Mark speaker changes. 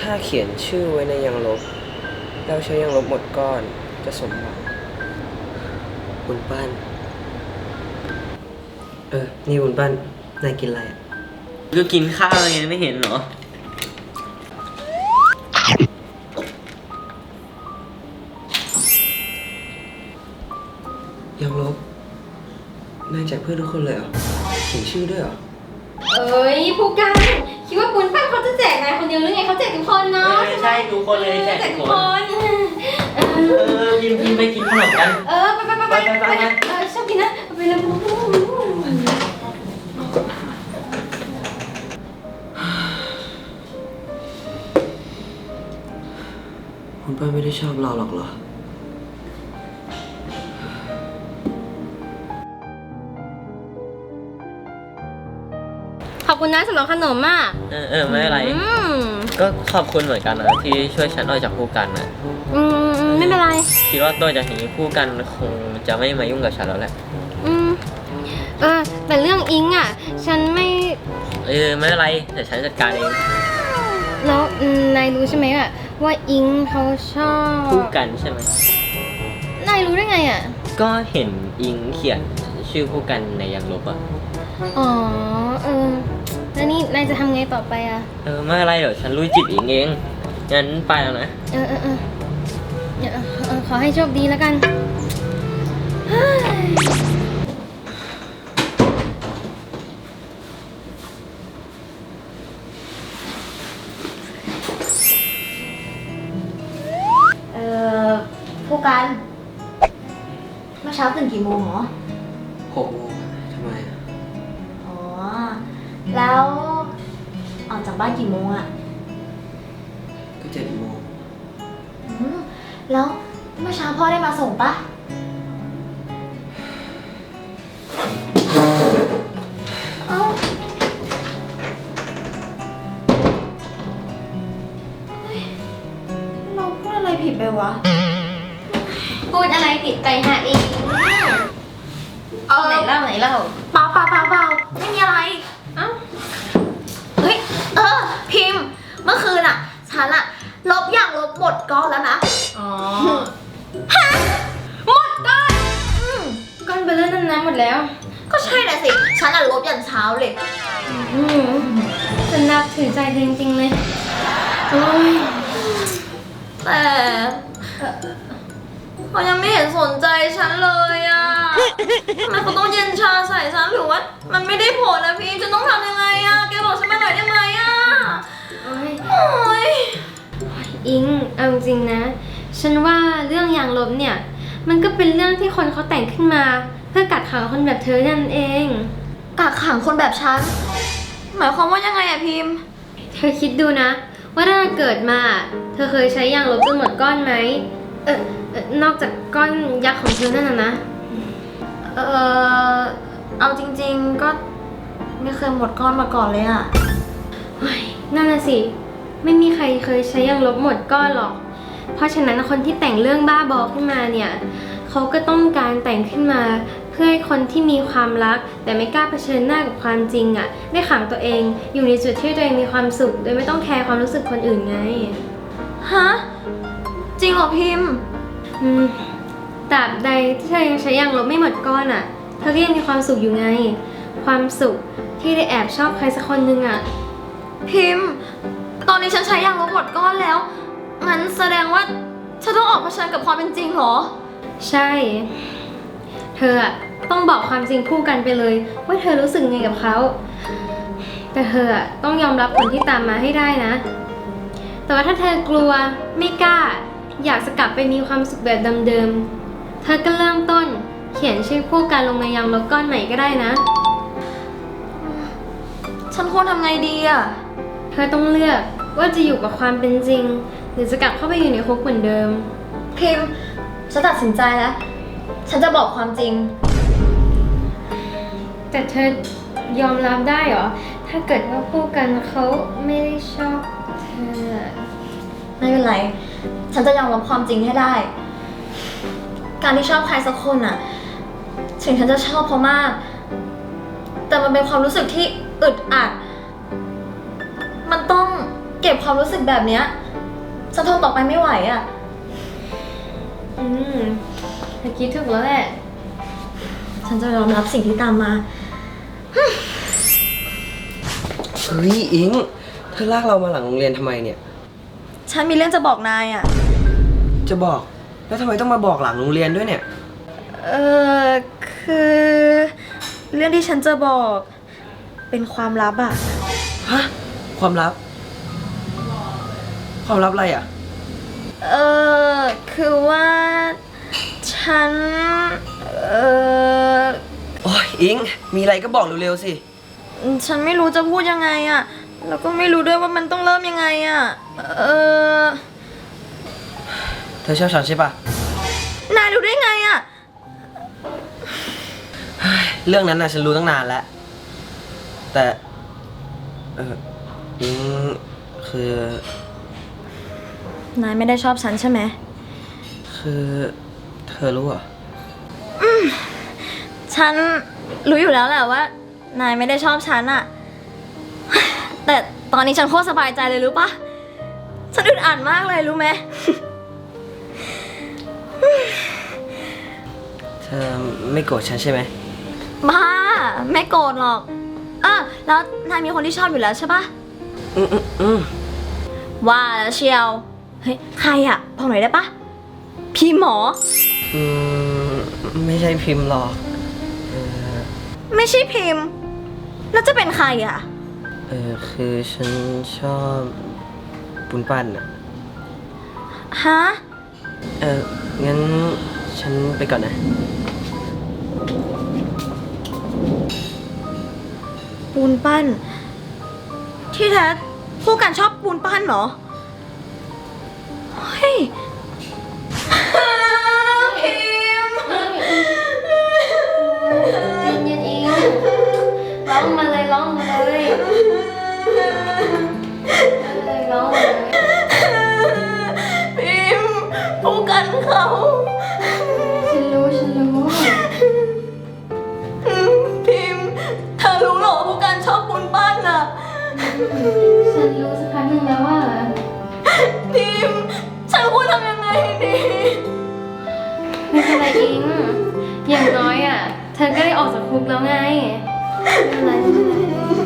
Speaker 1: ถ้าเขียนชื่อไว้ในยางลบแล้วใช้ยางลบหมดก้อนจะสมหวังบุญปั้นนี่บุญปั้นนายกินอะไรอ่ะ
Speaker 2: ก็กินข้าวไงไม่เห็นเหรอ
Speaker 1: ยางลบนายแจกเพื่อนทุกคนเลยเหรอเขียนชื่อด้วยเหรอ
Speaker 3: ผู้กันคิดว่าปุ้นปั้นเขาจะแจกนายคนเดียวหรือไงเขาแจกทุกคนเนาะ
Speaker 2: ใช่ทุกคนเลยแจกทุกคนพิมไปกินขนมกัน
Speaker 3: ไปชอบกินนะไปเลย
Speaker 1: คุณป้าไม่ได้ชอบเราหรอกเหรอ
Speaker 3: ขอบคุณนะสำหรับขนมอ่ะ
Speaker 2: ไม่เป็นไรก็ขอบคุณเหมือนกันนะที่ช่วยฉันออกจากผู้กันนะ
Speaker 3: ไม่เป็นไร
Speaker 2: คิดว่าตัวจากนี้ผู้กันคงจะไม่มายุ่งกับฉันแล้วแหละ
Speaker 3: แต่เรื่องอิงอ่ะฉันไม่
Speaker 2: ไม่เป็นไรแต่ฉันจัดการเอง
Speaker 3: แล้วนายรู้ใช่ไหมอะว่าอิงเขาชอบ
Speaker 2: ผู้กันใช่ไหม
Speaker 3: นายรู้ได้ไงอ่ะ
Speaker 2: ก็เห็นอิงเขียนชื่อผู้กันในยางลบอ่ะ
Speaker 3: แล้วนี่นายจะทำไงต่อไปอ่ะ
Speaker 2: ไม่อะไรเดี๋ยวฉันลุยจิตอิงเองงั้นไปแล้วนะ
Speaker 3: ขอให้โชคดีแล้วกัน
Speaker 4: ผู้กันเมื่อเช้าตื่นกี่โมงหรอ
Speaker 1: 6 โมงทำไมอ่ะ
Speaker 4: แล้วออกจากบ้านกี่โมงอ่ะ
Speaker 1: ก็7 โมง
Speaker 4: แล้วเมื่อเช้าพ่อได้มาส่งปะเราพูดอะไรผิดไปวะ
Speaker 3: พูดอะไรผิดไปหาเองไหนเล่า
Speaker 4: เปล่าไม่มีอะไรพิมพ์เมื่อคืนฉันลบอย่างลบหมดก้อนแล้วนะฮะหมดก้อน
Speaker 3: ก้อนเบลเลอร์นั้นหมดแล้ว
Speaker 4: ก็ใช่แหละสิฉันลบยันเช้าเลย
Speaker 3: ฉันนับถือใจจริงๆเลยโอ้ย
Speaker 4: แต่เขายังไม่เห็นสนใจฉันเลยทำไมเขาต้องเย็นชาใส่ฉันหรือว่ามันไม่ได้ผลนะพี่จะต้องทำยังไงแกบอกฉันมาหน่อยได้ไหม
Speaker 3: โอ้ยอิงเอาจริงนะฉันว่าเรื่องยางลบเนี่ยมันก็เป็นเรื่องที่คนเขาแต่งขึ้นมาเพื่อกักขังคนแบบเธอนั่นเอง
Speaker 4: กักขังคนแบบฉันหมายความว่ายังไงพิมพ์
Speaker 3: เธอคิดดูนะว่าถ้าเกิดมาเธอเคยใช้ยางลบจนหมดก้อนไหมนอกจากก้อนยักษ์ของเธอนั่นนะ
Speaker 4: เอาจริงๆก็ไม่เคยหมดก้อนมาก่อนเลย
Speaker 3: นั่นน่ะสิไม่มีใครเคยใช้ยางลบหมดก้อนหรอกเพราะฉะนั้นคนที่แต่งเรื่องบ้าบอขึ้นมาเนี่ยเขาก็ต้องการแต่งขึ้นมาเพื่อให้คนที่มีความรักแต่ไม่กล้าเผชิญหน้ากับความจริงได้ขังตัวเองอยู่ในจุดที่ตัวเองมีความสุขโดยไม่ต้องแคร์ความรู้สึกคนอื่นไง
Speaker 4: ฮะจริงเหรอพิมพ์
Speaker 3: ตราบใดที่เธอยังใช้ยางลบไม่หมดก้อนเธอก็ยังมีความสุขอยู่ไงความสุขที่ได้แอบชอบใครสักคนนึง
Speaker 4: พิมพ์ตอนนี้ฉันใช้ยางลบหมดก้อนแล้วงั้นแสดงว่าฉันต้องออกเผชิญกับความเป็นจริงเหรอ
Speaker 3: ใช่เธอต้องบอกความจริงคู่กันไปเลยว่าเธอรู้สึกไงกับเขาแต่เธอต้องยอมรับผลที่ตามมาให้ได้นะแต่ว่าถ้าเธอกลัวไม่กล้าอยากจะกลับไปมีความสุขแบบเดิมๆเธอก็เริ่มต้นเขียนชื่อคู่กันลงในยางลบก้อนใหม่ก็ได้นะ
Speaker 4: ฉันควรทำไงดี
Speaker 3: เธอต้องเลือกว่าจะอยู่กับความเป็นจริงหรือจะกลับเข้าไปอยู่ในคุกเหมือนเดิม
Speaker 4: พิมพ์ฉันตัดสินใจแล้วฉันจะบอกความจริง
Speaker 3: แต่เธอยอมรับได้เหรอถ้าเกิดว่าคู่กันเขาไม่ได้ชอบเธอ
Speaker 4: ไม่เป็นไรฉันจะยอมรับความจริงให้ได้การที่ชอบใครสักคนถึงฉันจะชอบเขามากแต่มันเป็นความรู้สึกที่อึดอัดมันต้องเก็บความรู้สึกแบบเนี้ยฉันทนต่อไปไม่ไหวอะ
Speaker 3: เธอคิดถูกแล้วแหละ
Speaker 4: ฉันจะยอมรับสิ่งที่ตามมา
Speaker 1: เฮ้ยอิง เธอลากเรามาหลังโรงเรียนทำไมเนี่ย
Speaker 4: ฉันมีเรื่องจะบอกนายอะ
Speaker 1: จะบอก แล้วทำไมต้องมาบอกหลังโรงเรียนด้วยเนี่ย
Speaker 4: คือเรื่องที่ฉันจะบอกเป็นความลับอะ
Speaker 1: ฮะ ความลับ ความลับอะไรอ่ะ
Speaker 4: คือว่าฉัน
Speaker 1: โอ้ยอิง มีอะไรก็บอกเร็วๆสิ
Speaker 4: ฉันไม่รู้จะพูดยังไงอะแล้วก็ไม่รู้ด้วยว่ามันต้องเริ่มยังไงอะ
Speaker 1: เธอชอบฉันใช่ปะ
Speaker 4: นายรู้ได้ไงอะ
Speaker 1: เรื่องนั้นน่ะฉันรู้ตั้งนานแล้ว แต่ อิง คือ
Speaker 4: นายไม่ได้ชอบฉันใช่ไหม
Speaker 1: คือเธอรู้เหรอ
Speaker 4: ฉันรู้อยู่แล้วแหละว่านายไม่ได้ชอบฉันอะแต่ตอนนี้ฉันโคตรสบายใจเลยรู้ปะฉันอึดอัดมากเลยรู้ไหม
Speaker 1: เธอไม่โกรธฉันใช่ไหม
Speaker 4: บ้าไม่โกรธหรอกแล้วนายมีคนที่ชอบอยู่แล้วใช่ปะ
Speaker 1: อืม
Speaker 4: ว่าแล้วเชียว เฮ้ยใครอะบอกหน่อยได้ปะพี่หมอ
Speaker 1: อืม ไม่ใช่พิมพ์หรอก
Speaker 4: ไม่ใช่พิมพ์ แล้วจะเป็นใครอะ
Speaker 1: คือฉันชอบปุนปั้นอ่ะ
Speaker 4: ฮะ
Speaker 1: งั้นฉันไปก่อนนะ
Speaker 4: ปูนปั้น ที่แท้ผู้กันชอบปูนปั้นเหรอ เฮ้ย พิมพ์
Speaker 3: เย็นๆเองร้องมาเลยร้องมาเลยร้องมาเลย
Speaker 4: พิมพ์ผู้กันเขา
Speaker 3: ฉันรู้
Speaker 4: พิมพ์เธอรู้เหรอผู้กันชอบปูนปั้นอะ
Speaker 3: ฉันรู้สักพักหนึ่งแล้วว่า
Speaker 4: พิมพ์ฉันควรทำยังไงดี
Speaker 3: ไม่เป็นไรอิง อย่างน้อยอ่ะ เธอก็ได้ออกจากคุกแล้วไงไม่เป็นไร